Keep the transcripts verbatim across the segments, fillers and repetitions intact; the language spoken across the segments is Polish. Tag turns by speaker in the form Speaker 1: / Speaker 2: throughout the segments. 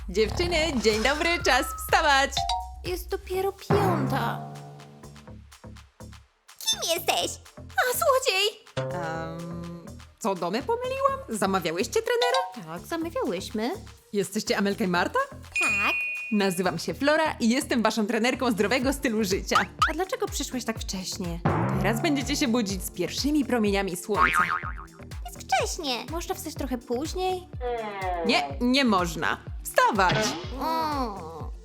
Speaker 1: Dziewczyny, dzień dobry, czas wstawać!
Speaker 2: Jest dopiero piąta.
Speaker 3: Kim jesteś?
Speaker 2: A, złodziej!
Speaker 1: Um, co, domy pomyliłam? Zamawiałyście trenera?
Speaker 2: Tak, zamawiałyśmy.
Speaker 1: Jesteście Amelka i Marta?
Speaker 3: Tak.
Speaker 1: Nazywam się Flora i jestem waszą trenerką zdrowego stylu życia.
Speaker 2: A dlaczego przyszłeś tak wcześnie?
Speaker 1: Teraz będziecie się budzić z pierwszymi promieniami słońca.
Speaker 3: Jest wcześnie.
Speaker 2: Można wstać trochę później?
Speaker 1: Nie, nie można. Wstawać!
Speaker 3: Mm.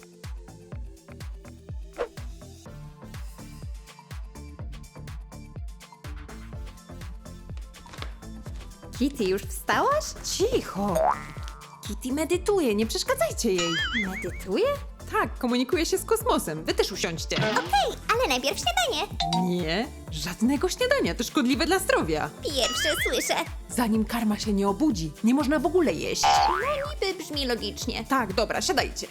Speaker 2: Kitty, już wstałaś?
Speaker 1: Cicho! Kitty medytuje, nie przeszkadzajcie jej.
Speaker 2: Medytuje?
Speaker 1: Tak, komunikuje się z kosmosem. Wy też usiądźcie.
Speaker 3: Okej, ale najpierw śniadanie.
Speaker 1: Nie, żadnego śniadania, to szkodliwe dla zdrowia.
Speaker 3: Pierwsze słyszę.
Speaker 1: Zanim karma się nie obudzi, nie można w ogóle jeść.
Speaker 2: No niby brzmi logicznie.
Speaker 1: Tak, dobra, siadajcie.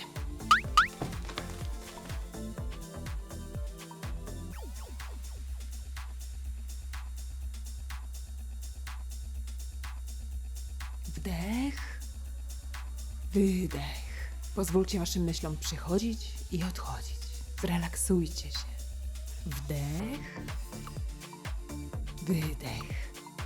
Speaker 1: Wdech, wydech. Pozwólcie waszym myślom przychodzić i odchodzić. Zrelaksujcie się. Wdech, wydech.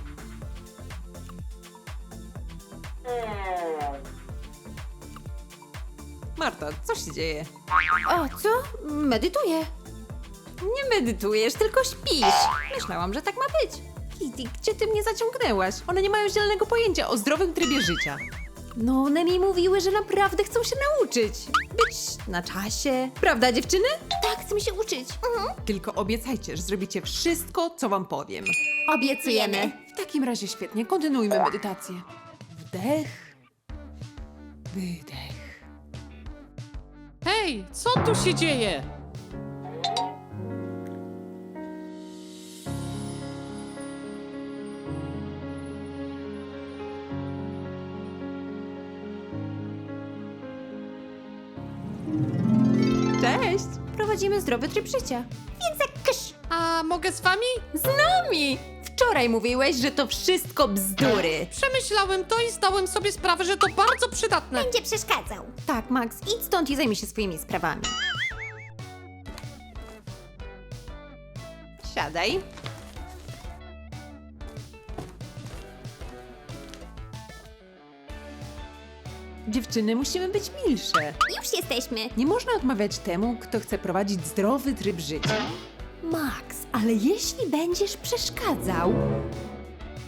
Speaker 1: Marta, co się dzieje?
Speaker 2: O, co? Medytuję.
Speaker 1: Nie medytujesz, tylko śpisz. Myślałam, że tak ma być. Kitty, gdzie ty mnie zaciągnęłaś? One nie mają zielonego pojęcia o zdrowym trybie życia.
Speaker 2: No, one mi mówiły, że naprawdę chcą się nauczyć. Być na czasie. Prawda, dziewczyny? Tak, chcę się uczyć. Mhm.
Speaker 1: Tylko obiecajcie, że zrobicie wszystko, co wam powiem.
Speaker 2: Obiecujemy.
Speaker 1: W takim razie świetnie, kontynuujmy medytację. Wdech, wydech.
Speaker 4: Hej, co tu się dzieje?
Speaker 1: Cześć!
Speaker 2: Prowadzimy zdrowy tryb życia.
Speaker 3: Więc jak kysz.
Speaker 4: A mogę z wami?
Speaker 2: Z nami! Wczoraj mówiłeś, że to wszystko bzdury.
Speaker 4: Przemyślałem to i zdałem sobie sprawę, że to bardzo przydatne.
Speaker 3: Będzie przeszkadzał.
Speaker 2: Tak, Max, idź stąd i zajmij się swoimi sprawami.
Speaker 1: Siadaj. Dziewczyny, musimy być milsze.
Speaker 3: Już jesteśmy.
Speaker 1: Nie można odmawiać temu, kto chce prowadzić zdrowy tryb życia.
Speaker 2: Max, ale jeśli będziesz przeszkadzał,